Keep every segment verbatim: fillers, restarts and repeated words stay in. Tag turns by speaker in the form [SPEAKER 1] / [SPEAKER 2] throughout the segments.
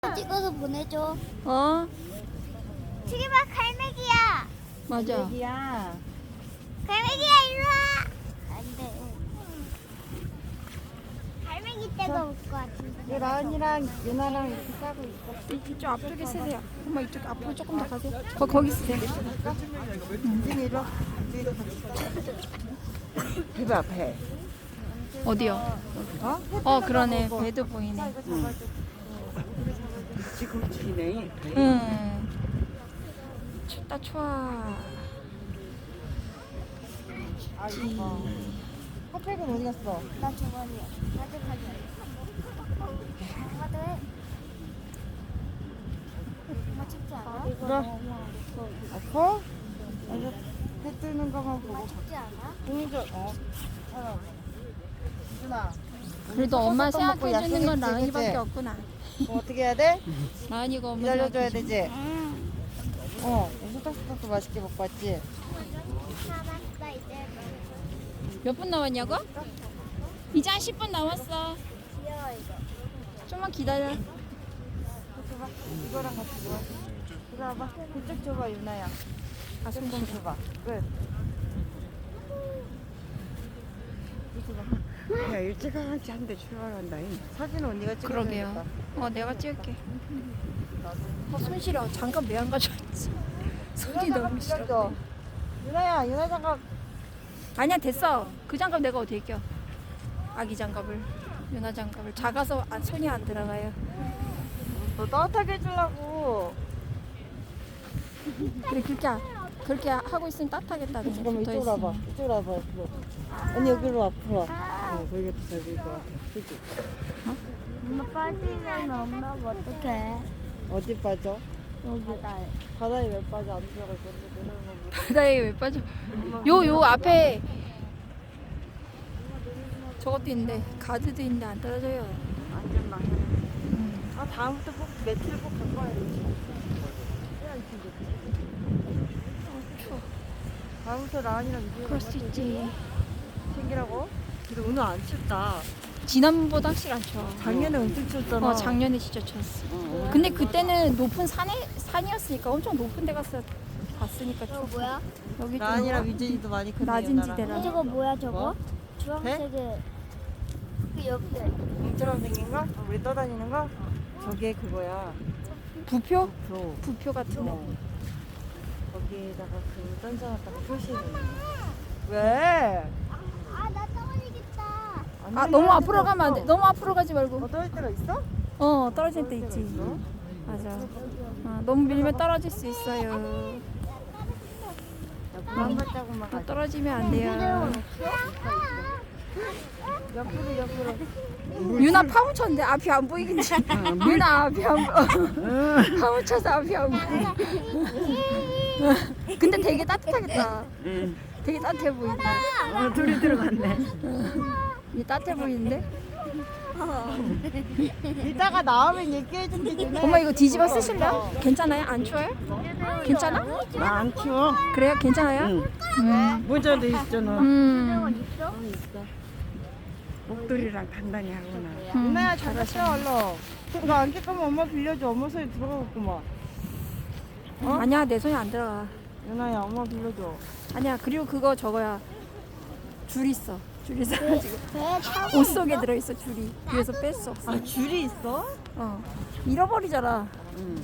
[SPEAKER 1] 찍어서 보내줘.
[SPEAKER 2] 어?
[SPEAKER 1] 저기 봐, 갈매기야.
[SPEAKER 2] 맞아.
[SPEAKER 3] 애기야.
[SPEAKER 1] 갈매기야, 이리 와. 안 돼. 갈매기 때가 올 것 같은데.
[SPEAKER 3] 라은이랑 유나랑 이렇게 싸고 있어.
[SPEAKER 2] 이쪽 앞쪽에 쓰세요. 엄마 이쪽 앞으로 조금 더 가세요. 거, 거기 쓰세요.
[SPEAKER 3] 은진이 이리 와. 배봐, 배.
[SPEAKER 2] 어디요?
[SPEAKER 3] 어?
[SPEAKER 2] 어 그러네. 배도 보이네.
[SPEAKER 3] 지금 지네.
[SPEAKER 2] 응. 춥다 추워.
[SPEAKER 3] 아이고. 핫팩은 어디 갔어?
[SPEAKER 1] 나 저번이야. 나도 가자. 나도 해. 엄마 춥지 않아?
[SPEAKER 3] 그래. 아파? 아주 해 뜨는 것만 보고.
[SPEAKER 1] 엄마 춥지 않아?
[SPEAKER 3] 공주, 어. 하나. 유나.
[SPEAKER 2] 그래도 엄마
[SPEAKER 3] 먹고
[SPEAKER 2] 생각해주는 건
[SPEAKER 3] 약속했지,
[SPEAKER 2] 라은이밖에
[SPEAKER 3] 그치?
[SPEAKER 2] 없구나.
[SPEAKER 3] 뭐 어떻게 해야 돼?
[SPEAKER 2] 라은이가 엄마
[SPEAKER 3] 기다려줘야
[SPEAKER 2] 생각해주는
[SPEAKER 3] 되지?
[SPEAKER 1] 응.
[SPEAKER 3] 어. 소떡소떡도 맛있게 먹고 왔지?
[SPEAKER 1] 사봤어, 이제.
[SPEAKER 2] 몇 분 남았냐고? 이제 한 십 분 남았어.
[SPEAKER 1] 귀여워, 이거.
[SPEAKER 2] 좀만 기다려.
[SPEAKER 3] 줘봐. 이거랑 같이 줘. 이거 와봐. 그쪽 줘봐, 유나야. 가슴 좀 줘봐. 끝.
[SPEAKER 4] 야 일찌감치 한대 출발한다.
[SPEAKER 3] 사진 언니가 찍어줘야겠다.
[SPEAKER 2] 그러게요. 어 내가 찍을게. 어, 손 시려. 장갑 왜 안 가져왔지? 손이
[SPEAKER 3] 유나
[SPEAKER 2] 너무
[SPEAKER 3] 장갑
[SPEAKER 2] 시려.
[SPEAKER 3] 빌려줘. 유나야, 유나 장갑.
[SPEAKER 2] 아니야 됐어. 그 장갑 내가 어디에 껴? 아기 장갑을. 유나 장갑을. 작아서 안, 손이 안 들어가요.
[SPEAKER 3] 너 따뜻하게 해주려고.
[SPEAKER 2] 그래 그렇게 하- 그렇게 하고 있으면 따뜻하겠다. 그냥
[SPEAKER 3] 잠깐만,
[SPEAKER 2] 붙어
[SPEAKER 3] 이쪽으로
[SPEAKER 2] 있으면.
[SPEAKER 3] 와봐. 이쪽으로 와봐, 옆으로. 언니 여기로 앞으로 와.
[SPEAKER 4] 어, 거기가 더 잘 보일 것 같아. 그치?
[SPEAKER 1] 엄마 빠지면 엄마 어떡해?
[SPEAKER 3] 어디 빠져?
[SPEAKER 1] 여기다.
[SPEAKER 3] 바다에 왜 빠져? 안 들어갈 건데 내려오는 거.
[SPEAKER 2] 바다에 왜 빠져? 요 요 앞에 저것도 있는데 가드도 있는데 안 떨어져요.
[SPEAKER 3] 완전 망해. 아, 다음부터 꼭 매트를 꼭 갖고 와야 되지. 다음부터 라은이랑 이제
[SPEAKER 2] 그럴 수 있지.
[SPEAKER 3] 챙기라고? 근데 오늘 안 춥다.
[SPEAKER 2] 지난번보다 확실히 안 추워.
[SPEAKER 3] 작년에 엄청 춥잖아.
[SPEAKER 2] 어 작년에 진짜 추웠어. 근데 그때는 높은 산에 산이었으니까 엄청 높은 데 가서 봤으니까
[SPEAKER 1] 저거
[SPEAKER 2] 추웠어.
[SPEAKER 1] 뭐야?
[SPEAKER 2] 여기 좀
[SPEAKER 3] 라은이랑 위진이도 많이 크네.
[SPEAKER 2] 낮은
[SPEAKER 3] 유나랑.
[SPEAKER 2] 지대라.
[SPEAKER 1] 저거 뭐야, 저거?
[SPEAKER 3] 뭐?
[SPEAKER 1] 주황색에. 그 옆에.
[SPEAKER 3] 공처럼 생긴 거? 우리 떠다니는 거? 저게 그거야.
[SPEAKER 2] 부표?
[SPEAKER 3] 저
[SPEAKER 2] 부표 같은데.
[SPEAKER 3] 어. 거기에다가 그 던져놨다가 표시해. 왜?
[SPEAKER 1] 아, 나 떨어지겠다.
[SPEAKER 3] 안
[SPEAKER 2] 아
[SPEAKER 3] 들리는
[SPEAKER 2] 너무
[SPEAKER 3] 데가
[SPEAKER 2] 앞으로 가면 안 돼.
[SPEAKER 3] 없어.
[SPEAKER 2] 너무 앞으로 가지 말고.
[SPEAKER 3] 어, 떨어질 때가 있어?
[SPEAKER 2] 어 떨어질 때
[SPEAKER 3] 떨어질
[SPEAKER 2] 있지.
[SPEAKER 3] 때가 있어?
[SPEAKER 2] 맞아. 아, 너무 밀면 떨어질 수 있어요.
[SPEAKER 3] 옆으로 한 발자국만
[SPEAKER 2] 아,
[SPEAKER 3] 가자.
[SPEAKER 2] 떨어지면 안 돼요.
[SPEAKER 3] 옆으로 옆으로.
[SPEAKER 2] 유나 파묻혔는데 앞이 안 보이겠지. 유나 앞이 안 보여. 파묻혀서 앞이 안 보여. 근데 되게 따뜻하겠다.
[SPEAKER 4] 응.
[SPEAKER 2] 되게 따뜻해 보인다.
[SPEAKER 4] 어, 둘이 들어갔네.
[SPEAKER 2] 이 따뜻해 보이는데?
[SPEAKER 3] 이따가 나오면 얘기해준대. 유나야.
[SPEAKER 2] 엄마 이거 뒤집어 쓰실래요? 괜찮아요? 안 추워요? 괜찮아?
[SPEAKER 4] 나안 추워.
[SPEAKER 2] 그래요? 괜찮아요?
[SPEAKER 4] 응.
[SPEAKER 2] 음.
[SPEAKER 4] 모자도 있잖아.
[SPEAKER 2] 음.
[SPEAKER 4] 목도리랑 단단히 하구나.
[SPEAKER 2] 음.
[SPEAKER 3] 유나야 잘했어 얼른. 그거 안개 까면 엄마 빌려줘. 엄마 손에 들어가겠구만. 어?
[SPEAKER 2] 아니야 내 손이 안 들어가.
[SPEAKER 3] 유나야 엄마 빌려줘.
[SPEAKER 2] 아니야 그리고 그거 저거야. 줄 있어. 줄 있어가지고
[SPEAKER 1] 배 타고.
[SPEAKER 2] 옷 속에 들어있어 줄이. 그래서 뺄 수 없어.
[SPEAKER 3] 아 줄이 있어?
[SPEAKER 2] 어. 잃어버리잖아.
[SPEAKER 4] 응.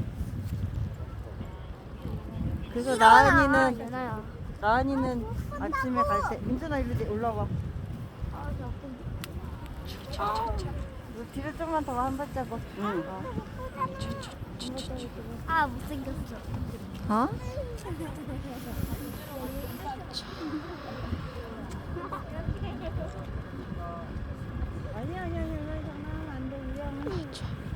[SPEAKER 3] 그래서 나은이는
[SPEAKER 1] 유나야.
[SPEAKER 3] 나은이는 아침에 갈 때 민준아 일로 내- 올라와.
[SPEAKER 1] 아, 자꾸.
[SPEAKER 3] 너 뒤로 좀만 더 한 발자국.
[SPEAKER 4] 응.
[SPEAKER 3] 어.
[SPEAKER 1] 아, 못생겼어.
[SPEAKER 2] 어?
[SPEAKER 3] 아니야 아니야 아니야 장난하면 안 돼. 위험해.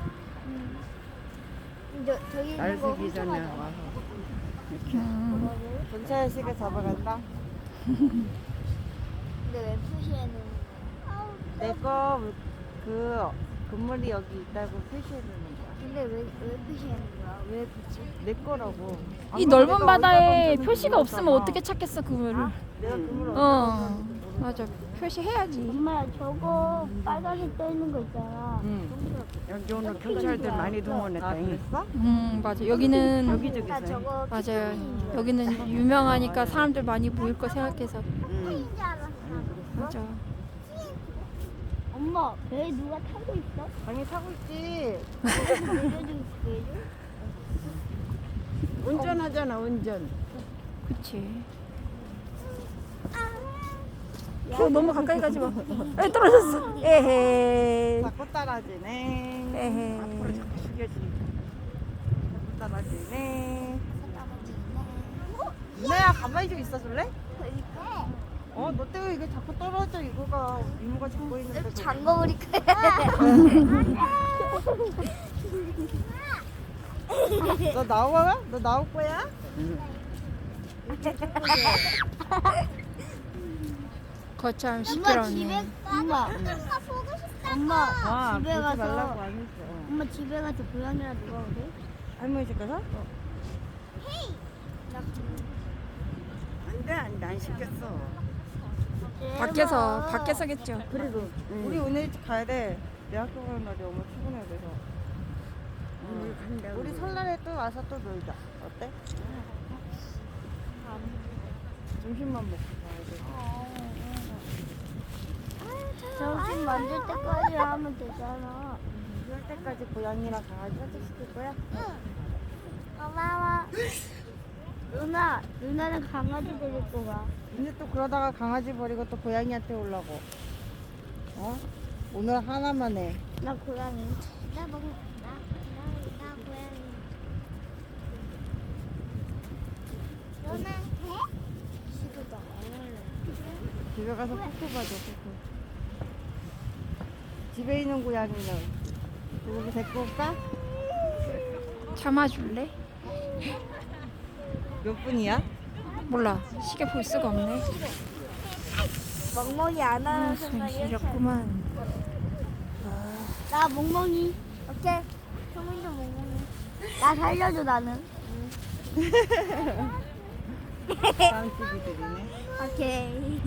[SPEAKER 1] 저, 저기
[SPEAKER 4] 날
[SPEAKER 1] 있는 거
[SPEAKER 4] 새기 전에
[SPEAKER 1] 훔쳐가자.
[SPEAKER 4] 와서.
[SPEAKER 2] 음.
[SPEAKER 3] 경찰 씨가 잡아간다.
[SPEAKER 1] 근데 왜 표시에는?
[SPEAKER 3] 내거 그 건물이 여기 있다고 표시해 주는 거야.
[SPEAKER 1] 근데 왜, 왜 표시하는 거야? 왜 붙지?
[SPEAKER 3] 내 거라고.
[SPEAKER 2] 이
[SPEAKER 3] 아까
[SPEAKER 2] 넓은
[SPEAKER 3] 내가
[SPEAKER 2] 바다에
[SPEAKER 3] 얼마
[SPEAKER 2] 표시가
[SPEAKER 3] 전에
[SPEAKER 2] 없으면
[SPEAKER 3] 그랬잖아.
[SPEAKER 2] 어떻게 찾겠어 그거를?
[SPEAKER 3] 내가 그물
[SPEAKER 2] 어. 맞아. 표시해야지.
[SPEAKER 1] 엄마, 저거 빨간색 떠 있는 거 있잖아.
[SPEAKER 3] 응.
[SPEAKER 4] 여기 오늘 경찰들 많이
[SPEAKER 3] 아
[SPEAKER 4] 동원했다.
[SPEAKER 3] 그랬어?
[SPEAKER 2] 음 맞아. 여기는
[SPEAKER 4] 여기저기
[SPEAKER 1] 나
[SPEAKER 4] 있어요.
[SPEAKER 1] 저거
[SPEAKER 2] 맞아요. 여기는 유명하니까 사람들 많이 모일 거 생각해서
[SPEAKER 4] 응.
[SPEAKER 1] 인 줄 알았어.
[SPEAKER 2] 맞아.
[SPEAKER 1] 엄마, 배 누가 타고 있어?
[SPEAKER 3] 당연히 타고 있지.
[SPEAKER 1] 내려줘, 내려줘.
[SPEAKER 4] 운전하잖아 운전.
[SPEAKER 2] 그치. 어, 너무 가까이 가지 마. 에 떨어졌어. 에헤.
[SPEAKER 3] 자꾸 따라지네.
[SPEAKER 2] 에헤.
[SPEAKER 3] 앞으로 자꾸 숙여지니까. 자꾸 따라지네. 유나야 가만히 좀 있어줄래? 어, 너 때문에 이게 자꾸 떨어져 이거가 이모가 잡고 있는데. 그거.
[SPEAKER 1] 잠궈버릴까?
[SPEAKER 3] 너 나와? 너 나올 거야?
[SPEAKER 2] 거참
[SPEAKER 1] 엄마 집에
[SPEAKER 2] 시끄럽네.
[SPEAKER 1] 엄마 보고 싶다. 엄마
[SPEAKER 3] 아,
[SPEAKER 1] 집에
[SPEAKER 3] 그러지
[SPEAKER 1] 가서
[SPEAKER 3] 말라고 안 했어.
[SPEAKER 1] 엄마 집에 가서 고양이랑 누가 오래?
[SPEAKER 3] 할머니 집 가서?
[SPEAKER 4] 안돼 안돼 안 시켰어.
[SPEAKER 2] 밖에서 밖에서겠죠.
[SPEAKER 4] 그래도
[SPEAKER 3] 우리 오늘 일찍 가야 돼. 내 학교 가는 날이 엄마 출근해야 돼서.
[SPEAKER 4] 오늘 간다고.
[SPEAKER 3] 우리 설날에 또 와서 또 놀자. 어때? 점심만 먹고 가야 돼.
[SPEAKER 1] 점심 만들 때까지 하면 되잖아.
[SPEAKER 3] 그럴 때까지 고양이랑 강아지 산책시킬 거야?
[SPEAKER 1] 고마워. 누나, 누나는 강아지 데리고 가.
[SPEAKER 3] 이제 또 그러다가 강아지 버리고 또 고양이한테 오려고. 어? 오늘 하나만 해.
[SPEAKER 1] 나 고양이. 나 먹, 나, 나, 나 고양이. 누나 해? 시도도 안 할래.
[SPEAKER 3] 집에 가서 코코 봐줘, 코코. 집에 있는 고양이는 누구 데리고 올까?
[SPEAKER 2] 참아줄래?
[SPEAKER 3] 몇 분이야?
[SPEAKER 2] 몰라. 시계 볼 수가 없네.
[SPEAKER 1] 멍멍이 안
[SPEAKER 2] 아,
[SPEAKER 1] 하는
[SPEAKER 2] 손
[SPEAKER 1] 생각이
[SPEAKER 2] 시렸구만.
[SPEAKER 1] 나 멍멍이. 오케이. 성민도 멍멍이. 나 살려줘 나는.
[SPEAKER 3] 다음 집이들이네.
[SPEAKER 1] 오케이.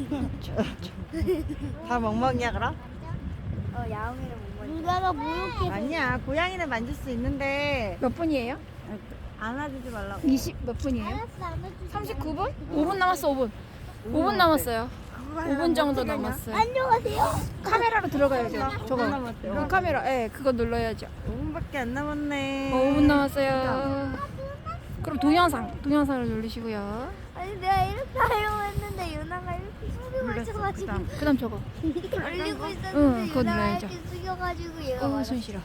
[SPEAKER 3] 다 멍멍이야 그럼?
[SPEAKER 1] 어 야옹이를 멍멍이. 누나가 모욕해.
[SPEAKER 3] 아니야, 고양이는 만질 수 있는데
[SPEAKER 2] 몇 분이에요?
[SPEAKER 3] 안아주지 말라고.
[SPEAKER 2] 이십 몇 분이에요?
[SPEAKER 1] 알았어 안 해주지.
[SPEAKER 2] 삼십구 분? 오 분 남았어. 오 분. 오 분 남았어요. 오 분 정도 남았어요.
[SPEAKER 1] 안녕하세요.
[SPEAKER 2] 카메라로 들어가야죠. 저거.
[SPEAKER 3] 남았대요.
[SPEAKER 2] 그 카메라. 예, 그거 눌러야죠.
[SPEAKER 3] 오 분밖에 안 남았네.
[SPEAKER 2] 어, 오 분 남았어요. 그럼 동영상, 동영상을 누르시고요.
[SPEAKER 1] 아니 내가 이렇게 하려고 했는데 유나가 이렇게
[SPEAKER 4] 몰랐어.
[SPEAKER 1] 숙여가지고
[SPEAKER 4] 그다음
[SPEAKER 2] 그다음 저거.
[SPEAKER 1] 돌리고
[SPEAKER 2] 응,
[SPEAKER 1] 있었는데
[SPEAKER 2] 그거
[SPEAKER 1] 유나가
[SPEAKER 2] 눌러야죠.
[SPEAKER 1] 이렇게 숙여가지고 얘가
[SPEAKER 2] 어,
[SPEAKER 1] 맞았어.
[SPEAKER 2] 손 싫어.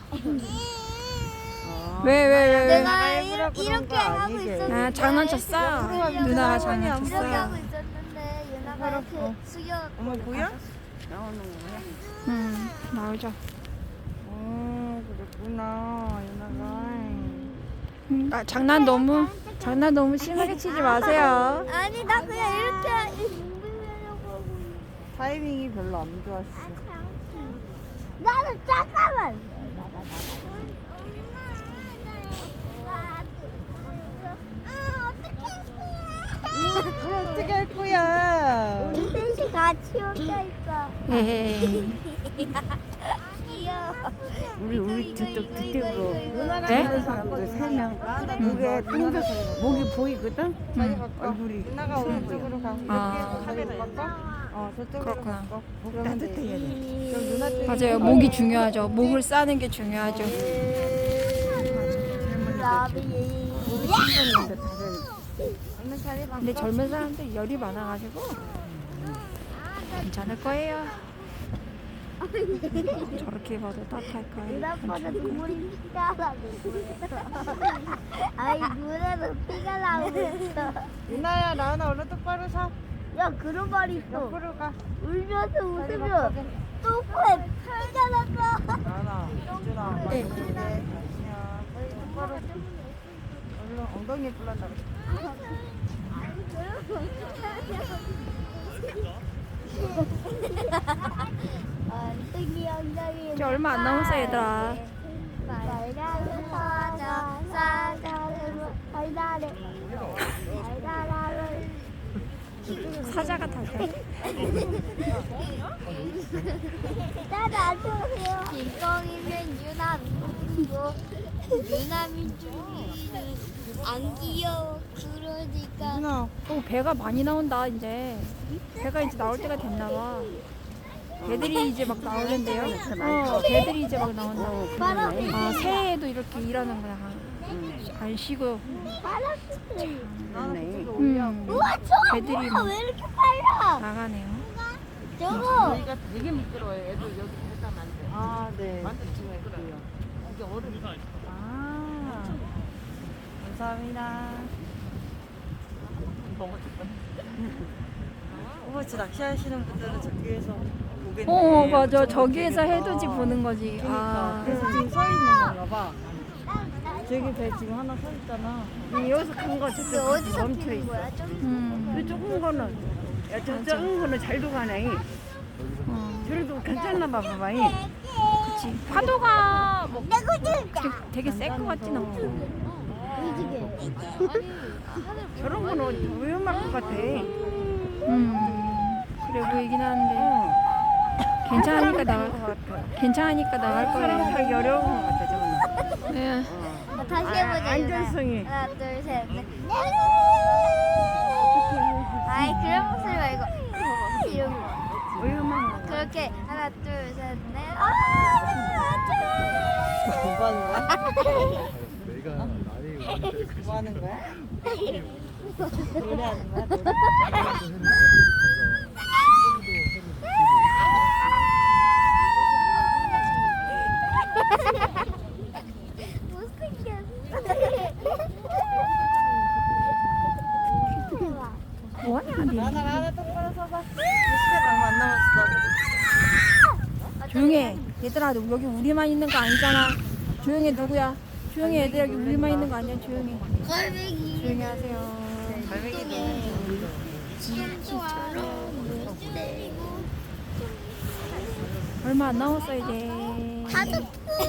[SPEAKER 3] 어.
[SPEAKER 2] 왜, 왜, 왜, 왜?
[SPEAKER 1] 내가
[SPEAKER 3] 일부러
[SPEAKER 1] 이렇게,
[SPEAKER 3] 그런
[SPEAKER 1] 이렇게
[SPEAKER 3] 거
[SPEAKER 1] 하고
[SPEAKER 3] 아니지?
[SPEAKER 1] 있었는데
[SPEAKER 2] 아, 장난쳤어?
[SPEAKER 3] 그래,
[SPEAKER 2] 누나가
[SPEAKER 3] 상관이 안
[SPEAKER 1] 이렇게 하고
[SPEAKER 2] 장난쳤어.
[SPEAKER 1] 있었는데 유나가 이렇게
[SPEAKER 3] 어.
[SPEAKER 1] 숙여.
[SPEAKER 3] 어머 보여?
[SPEAKER 4] 나오는 거야.
[SPEAKER 2] 음, 나오죠.
[SPEAKER 3] 어, 그랬구나, 유나가.
[SPEAKER 2] 음, 아, 장난 너무, 장난 너무 심하게 치지 마세요.
[SPEAKER 1] 아니 나 그냥 이렇게 빙빙하려고 하고.
[SPEAKER 3] 타이밍이 별로 안 좋았어.
[SPEAKER 1] 나는 잠깐만.
[SPEAKER 3] 그럼 어떻게 할 거야?
[SPEAKER 1] 우리 셋이 같이 혼자 있어.
[SPEAKER 2] 에헤이.
[SPEAKER 1] 귀여워.
[SPEAKER 4] 우리 우리
[SPEAKER 1] 이거,
[SPEAKER 4] 저쪽
[SPEAKER 1] 이거,
[SPEAKER 4] 뒤쪽으로
[SPEAKER 1] 이거, 이거.
[SPEAKER 2] 네?
[SPEAKER 4] 하는 사람들 세 명. 목에 탕자 목이 보이거든.
[SPEAKER 3] 자기
[SPEAKER 2] 음.
[SPEAKER 3] 바꿔.
[SPEAKER 4] 얼굴이
[SPEAKER 3] 유나가 오른쪽으로 가.
[SPEAKER 2] 아.
[SPEAKER 3] 여기에서 카메라 바꿔. 어, 저쪽으로
[SPEAKER 2] 그렇구나.
[SPEAKER 3] 바꿔.
[SPEAKER 4] 목
[SPEAKER 3] 그러면 돼.
[SPEAKER 4] 따뜻해야 돼.
[SPEAKER 3] 그럼 누나 쪽에
[SPEAKER 2] 맞아요. 목이 중요하죠. 목을 싸는 게 중요하죠.
[SPEAKER 1] 라비.
[SPEAKER 4] 힘든데 다들
[SPEAKER 3] 오늘 자리 바꿔.
[SPEAKER 2] 근데 젊은 사람들 열이 많아가지고 괜찮을 거예요. 저렇게 봐도 따뜻할 거예요.
[SPEAKER 1] 누나보다 눈물이 피가 나고 있어. 아이 눈에도 피가 나고 있어.
[SPEAKER 3] 유나야, 나은아 얼른 똑바로 서.
[SPEAKER 1] 야 그런 말이 있어.
[SPEAKER 3] 옆으로 가.
[SPEAKER 1] 울면서
[SPEAKER 3] 자리
[SPEAKER 1] 웃으면
[SPEAKER 3] 바꿔.
[SPEAKER 1] 똥꼬에 털가 났어.
[SPEAKER 3] 나은아, 유준아, 많이
[SPEAKER 2] 네.
[SPEAKER 3] 힘내. 아니야. 빨리 똑바로. 얼른 엉덩이에 불난다 그래.
[SPEAKER 1] 엉덩이 엉덩이.
[SPEAKER 2] 이제 얼마 안 남았어 얘들아.
[SPEAKER 1] 달달을 사자 사자를 달달을 달달을
[SPEAKER 2] 사자가 다
[SPEAKER 1] 나도 안 좋아해요. 김성이는 유나민이고 유나민준이는 안 귀여워. 그러니까
[SPEAKER 3] 누나
[SPEAKER 2] 어, 배가 많이 나온다 이제. 배가 이제 나올 때가 됐나 봐. 배들이 이제 막 나오는데요. 어, 배들이 이제 막 나온다고.
[SPEAKER 1] 바람이
[SPEAKER 2] 아, 새해에도 이렇게 일하는 거야. 안 쉬고.
[SPEAKER 1] 바람이
[SPEAKER 2] 음,
[SPEAKER 1] 우와 저거
[SPEAKER 2] 배들이
[SPEAKER 1] 뭐야
[SPEAKER 2] 막
[SPEAKER 1] 왜 이렇게 빨라?
[SPEAKER 2] 나가네요.
[SPEAKER 1] 저거
[SPEAKER 5] 여기가 되게 미끄러워요. 애들 여기 들어가면 안 돼.
[SPEAKER 3] 아 네.
[SPEAKER 5] 완전 미끄러워요. 이게 얼음.
[SPEAKER 3] 아 감사합니다. 오버치 낚시하시는 분들은 저기에서 보겠네.
[SPEAKER 2] 어, 맞아.
[SPEAKER 3] 엄청
[SPEAKER 2] 저기에서
[SPEAKER 3] 멋지겠다.
[SPEAKER 2] 해돋이 보는 거지.
[SPEAKER 3] 그러니까
[SPEAKER 2] 아,
[SPEAKER 3] 그래서 지금 서 있는 건가 봐. 저기 배 지금 하나 서 있잖아.
[SPEAKER 4] 여기서 큰 거
[SPEAKER 1] 근데
[SPEAKER 4] 저쪽
[SPEAKER 1] 어디서
[SPEAKER 4] 멈춰
[SPEAKER 1] 피는
[SPEAKER 4] 있어.
[SPEAKER 1] 거야? 좀
[SPEAKER 2] 음,
[SPEAKER 4] 그 조금 거는 야, 저 작은 거는 잘도 가네.
[SPEAKER 2] 어,
[SPEAKER 4] 그래도 괜찮나 봐 봐봐.
[SPEAKER 2] 그치. 파도가 뭐
[SPEAKER 1] 내가 진짜
[SPEAKER 2] 되게, 되게 셀 것 같진 않고.
[SPEAKER 4] 저런 거는 위험할 것 같아.
[SPEAKER 2] 음, 그래 보이긴 하는데.
[SPEAKER 4] 어.
[SPEAKER 2] 괜찮으니까 나갈
[SPEAKER 4] 것 같아.
[SPEAKER 2] 괜찮으니까 나갈
[SPEAKER 4] 사람
[SPEAKER 2] 거예요.
[SPEAKER 4] 살기 어려운 것 같아 저거는.
[SPEAKER 2] 네.
[SPEAKER 1] 다시
[SPEAKER 4] 아,
[SPEAKER 1] 해보자.
[SPEAKER 4] 안전성이.
[SPEAKER 1] 유나. 하나, 둘, 셋, 넷. 아이 그런 목소리 말고 이런 거.
[SPEAKER 4] 위험한 거.
[SPEAKER 1] 그렇게 하나, 둘, 셋, 넷. 아,
[SPEAKER 3] 뭐 하는 거야?
[SPEAKER 6] 내가 나이
[SPEAKER 3] 뭐 하는 거야? 노래하는 거야? 노래?
[SPEAKER 2] 뭐하냐, 니.
[SPEAKER 3] 하나 하나 똑바로 서봐. 시간 얼마 안 남았어.
[SPEAKER 2] 조용해. 얘들아, 여기 우리만 있는 거 아니잖아. 조용해, 누구야? 조용해, 얘들 여기 우리만 있는 거 아니야. 조용해.
[SPEAKER 1] 갈매기.
[SPEAKER 2] 조용히 하세요. 얼마 안 남았어, 이제.
[SPEAKER 1] 가족.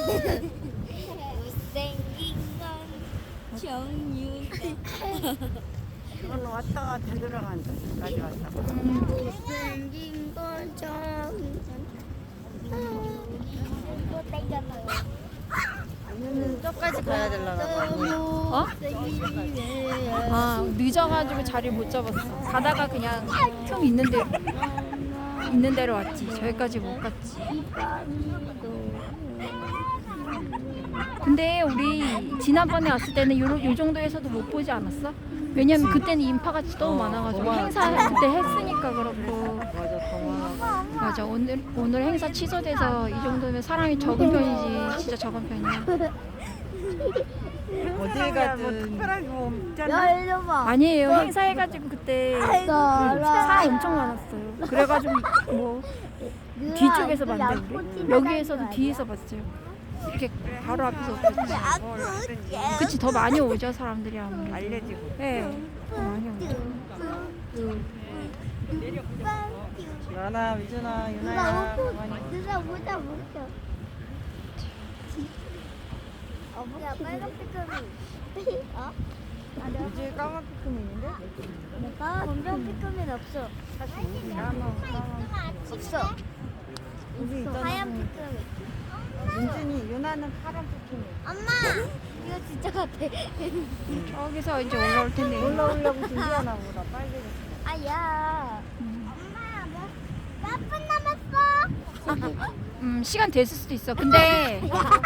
[SPEAKER 1] 못생긴 건 정유세.
[SPEAKER 4] 저거는 왔다 갔다 들어간다. 까지 왔다.
[SPEAKER 1] 못생긴 건 정유세. 이거 땡겼어요.
[SPEAKER 3] 저까지 가야 되려나 봐.
[SPEAKER 2] 어? 아, 늦어가지고 자리를 못 잡았어. 가다가 그냥 좀 있는 대로, 있는 대로 왔지. 저기까지 못 갔지. 근데 우리 지난번에 왔을 때는 요, 요 정도에서도 못 보지 않았어? 왜냐면 그때는 인파가 너무 많아가지고 행사 그때 했으니까 그렇고.
[SPEAKER 3] 맞아 더 많아.
[SPEAKER 2] 맞아, 오늘 오늘 행사 취소돼서 이 정도면 사람이 적은 편이지. 진짜 적은 편이야.
[SPEAKER 3] 어딜
[SPEAKER 4] 뭐
[SPEAKER 3] 가든
[SPEAKER 4] 특별하게 뭐 없잖아.
[SPEAKER 1] 야, 이리 봐.
[SPEAKER 2] 아니에요. 행사해가지고 그때 사람 엄청 많았어요. 그래가지고 뭐 뒤쪽에서 봤는데 우리 여기에서도 뒤에서 봤어요. 이렇게 바로 앞에서 없었지. 그치, 더 많이 오죠 사람들이 아무래도.
[SPEAKER 4] 알려지고.
[SPEAKER 2] 네, 더 많이 오죠.
[SPEAKER 3] 나나 미준아
[SPEAKER 1] 누나
[SPEAKER 3] 유나야
[SPEAKER 1] 옷도
[SPEAKER 3] 가만히.
[SPEAKER 1] 누나 모자 모자. 어 뭐야 빨간 피크미. 어?
[SPEAKER 3] 유주에 까만 피크미 있는데?
[SPEAKER 1] 내가 검정 피크미는 없어. 없어.
[SPEAKER 3] 여기 있잖아.
[SPEAKER 1] 하얀 피크미.
[SPEAKER 3] 민준이 유나는 파란 피크미.
[SPEAKER 1] 엄마 이거 진짜 같아.
[SPEAKER 2] 여기서 이제 올라올 텐데.
[SPEAKER 3] 올라오려고 준비하나 보다 빨개졌어.
[SPEAKER 1] 아야.
[SPEAKER 2] 음.
[SPEAKER 1] 엄마 몇 분 남았어?
[SPEAKER 2] 음, 시간 됐을 수도 있어. 근데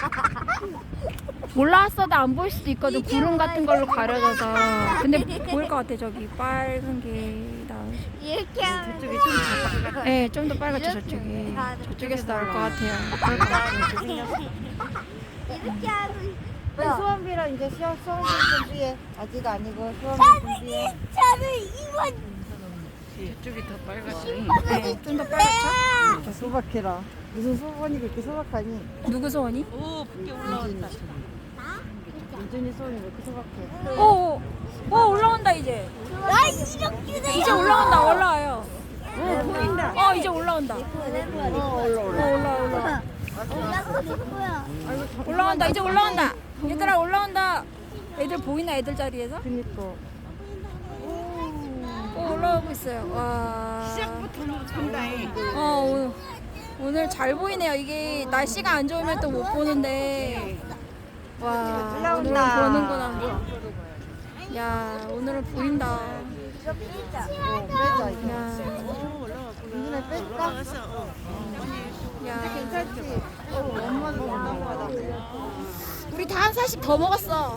[SPEAKER 2] 올라왔어도 안 보일 수도 있거든. 구름 같은 걸로 가려져서. 근데 보일 것 같아. 저기 빨간 게 나올.
[SPEAKER 1] 이렇게 하면
[SPEAKER 3] 저쪽이 좀 작아.
[SPEAKER 2] 네, 좀 더 빨갛죠 저쪽이. 저쪽에서 나올 것 같아요. 나올 것 같아요.
[SPEAKER 1] 이렇게 하면
[SPEAKER 3] 빨리 수원비랑 이제 시험 수원비 준비해. 아직 아니고 수원비 준비해.
[SPEAKER 1] 저는 이번
[SPEAKER 4] 저쪽이 더 빨갛지.
[SPEAKER 2] 네, 좀 더 빨갛죠?
[SPEAKER 3] 저 소박해라. 무슨 소원이 그렇게 소박하니?
[SPEAKER 2] 누구 소원이?
[SPEAKER 5] 오, 붙게 올라왔다.
[SPEAKER 3] 민준이 소원이 왜 이렇게 소박해?
[SPEAKER 2] 오, 오, 오, 올라온다 이제.
[SPEAKER 1] 나 이렇게 돼.
[SPEAKER 2] 이제 올라온다, 올라와요.
[SPEAKER 4] 어 보인다.
[SPEAKER 2] 어, 이제 올라온다.
[SPEAKER 3] 어 올라
[SPEAKER 2] 어,
[SPEAKER 3] 올라.
[SPEAKER 2] 올라, 올라.
[SPEAKER 1] 올라가는 거야.
[SPEAKER 2] 올라온다, 이제 올라온다. 얘들아 올라온다. 애들 보이나 애들 자리에서?
[SPEAKER 3] 그니까.
[SPEAKER 2] 오, 올라오고 있어요. 와.
[SPEAKER 3] 시작부터 높은다.
[SPEAKER 2] 어, 오늘, 오늘 잘 보이네요. 이게 날씨가 안 좋으면 또 못 보는데. 와, 오늘은
[SPEAKER 3] 올라온다.
[SPEAKER 2] 보는구나. 야, 오늘은 보인다.
[SPEAKER 1] 이거 피자.
[SPEAKER 3] 빼자 이거.
[SPEAKER 2] 야,
[SPEAKER 3] 눈에 뺄까?
[SPEAKER 2] 야.
[SPEAKER 3] 괜찮지? 어, 엄마도 올라가다.
[SPEAKER 2] 우리 다 한 살씩 더 먹었어.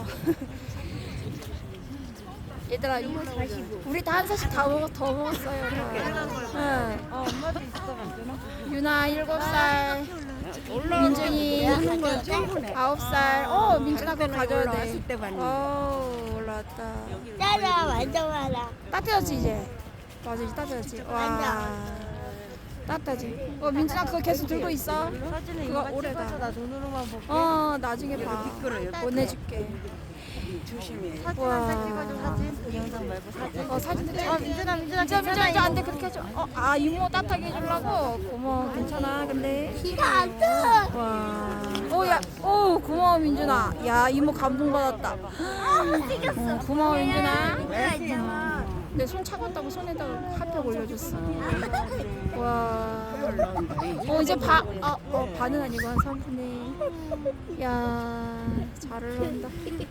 [SPEAKER 2] 얘들아, 우리 다 한 살씩 다 먹었, 더 먹었어요. 응.
[SPEAKER 3] 어, 엄마도 있어 괜찮아?
[SPEAKER 2] 유나 일곱 살, 민준이 아홉 살. 어, 민준아 그거 가져야 돼. 어, 올라왔다.
[SPEAKER 1] 짜라 완전 많아.
[SPEAKER 2] 따뜻하지 이제. 맞아, 이제 따뜻하지. 와, 따뜻하지. 어, 민준아 그거 계속 들고 있어.
[SPEAKER 3] 사진은
[SPEAKER 2] 그거
[SPEAKER 3] 이거
[SPEAKER 2] 오래다.
[SPEAKER 3] 찍어서 나 눈으로만 볼게.
[SPEAKER 2] 어, 나중에 봐. 보내줄게.
[SPEAKER 3] 조심해.
[SPEAKER 2] 와.
[SPEAKER 3] 사진 한 장 찍어줘 사진. 영상 말고 사진.
[SPEAKER 2] 어, 사진 찍어.
[SPEAKER 3] 어, 민준아 민준아
[SPEAKER 2] 민준아, 민준아,
[SPEAKER 3] 괜찮아.
[SPEAKER 2] 안 돼. 그렇게 해줘. 어, 아, 이모 따뜻하게 해주려고? 고마워. 괜찮아. 근데.
[SPEAKER 1] 비가 안 떠.
[SPEAKER 2] 와. 오, 야. 오, 고마워, 민준아. 야, 이모 감동받았다. 어, 고마워, 민준아.
[SPEAKER 1] 비가 있잖아.
[SPEAKER 2] 내 손 차갑다고 손에다가 핫팩 올려줬어. 와. 어, 이제 바, 아, 어, 반은 아니고 한 삼 분의. 야, 잘 올라온다.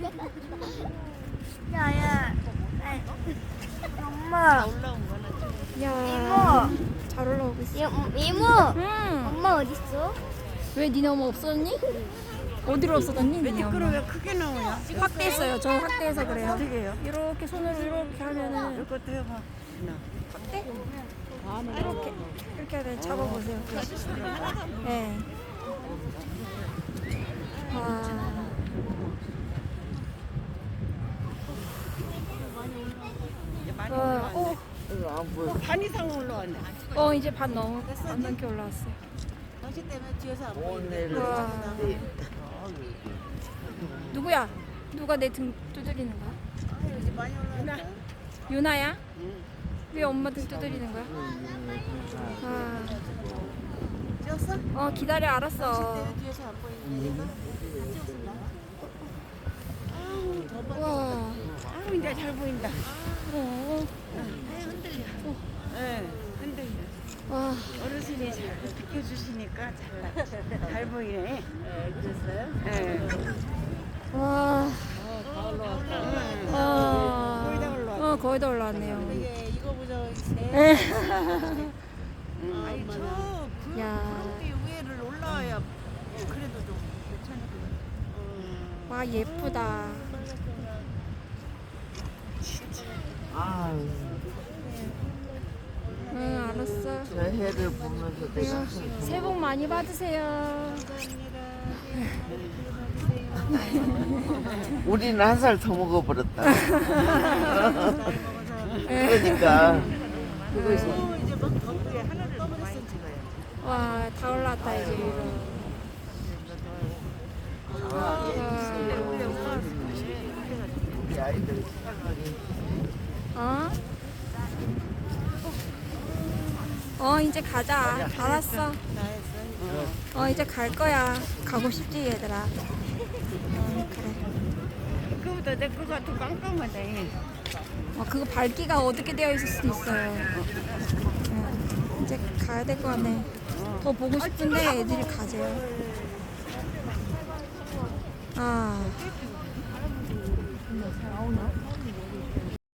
[SPEAKER 1] 야야. 엄마.
[SPEAKER 2] 야, 잘 올라오고 있어.
[SPEAKER 1] 이모. 이모.
[SPEAKER 2] 응.
[SPEAKER 1] 엄마 어디 있어?
[SPEAKER 2] 왜 니네 엄마 없었니? 어디로 없어졌니? 니네 엄마.
[SPEAKER 3] 왜 크게 나오냐?
[SPEAKER 2] 확대했어요. 저 확대해서 그래요.
[SPEAKER 3] 어떻게 해요?
[SPEAKER 2] 이렇게 손으로 이렇게 하면은
[SPEAKER 3] 이것도 해봐.
[SPEAKER 2] 확대? 이렇게 이렇게 하면 잡아보세요. 네. 와. 와, 오,
[SPEAKER 3] 반 이상 올라왔네.
[SPEAKER 2] 어 이제 반 넘어 반 넘게 올라왔어요.
[SPEAKER 3] 당신 때문에 뒤에서 안 보이네.
[SPEAKER 2] 와. 누구야? 누가 내 등 두드리는 거야?
[SPEAKER 3] 많이 올라왔네.
[SPEAKER 2] 유나야? 왜 엄마 등 두드리는 거야? 아,
[SPEAKER 3] 찍었어?
[SPEAKER 2] 어 기다려 알았어.
[SPEAKER 3] 뒤에서 안 보이는데 얘가?
[SPEAKER 2] 와.
[SPEAKER 3] 아우 이제 잘 보인다.
[SPEAKER 2] 어.
[SPEAKER 3] 네, 흔들려.
[SPEAKER 2] 와.
[SPEAKER 3] 어르신이 잘 비켜주시니까 잘, 잘 보이네. 그랬어요? 네.
[SPEAKER 2] 와. 아.
[SPEAKER 3] 거의 다 올라왔다.
[SPEAKER 2] 어, 거의 다 올라왔네요.
[SPEAKER 3] 이게 이거 보자.
[SPEAKER 2] 에.
[SPEAKER 3] 아니 저그
[SPEAKER 2] 야.
[SPEAKER 3] 위에를 올라와야 그래도 좀 괜찮거든.
[SPEAKER 2] 와, 예쁘다. 응, 알았어.
[SPEAKER 4] 저 해를 보면서 내가
[SPEAKER 2] 새해 복 많이 받으세요.
[SPEAKER 4] 우리는 한 살 더 먹어버렸다. 그러니까
[SPEAKER 3] 또 이제 막 덕후에 하나를 더 많이 찍어요.
[SPEAKER 2] 와, 다 올라왔다, 이제. 와.
[SPEAKER 4] 우리 아이들
[SPEAKER 2] 어? 어, 이제 가자. 알았어. 어, 이제 갈 거야. 가고 싶지, 얘들아. 어, 그래.
[SPEAKER 3] 그거보다 내 거가 더 깜깜하네.
[SPEAKER 2] 어, 그거 밝기가 어둡게 되어 있을 수도 있어요. 응, 이제 가야 될 것 같네. 더 보고 싶은데 애들이 가재요. 아.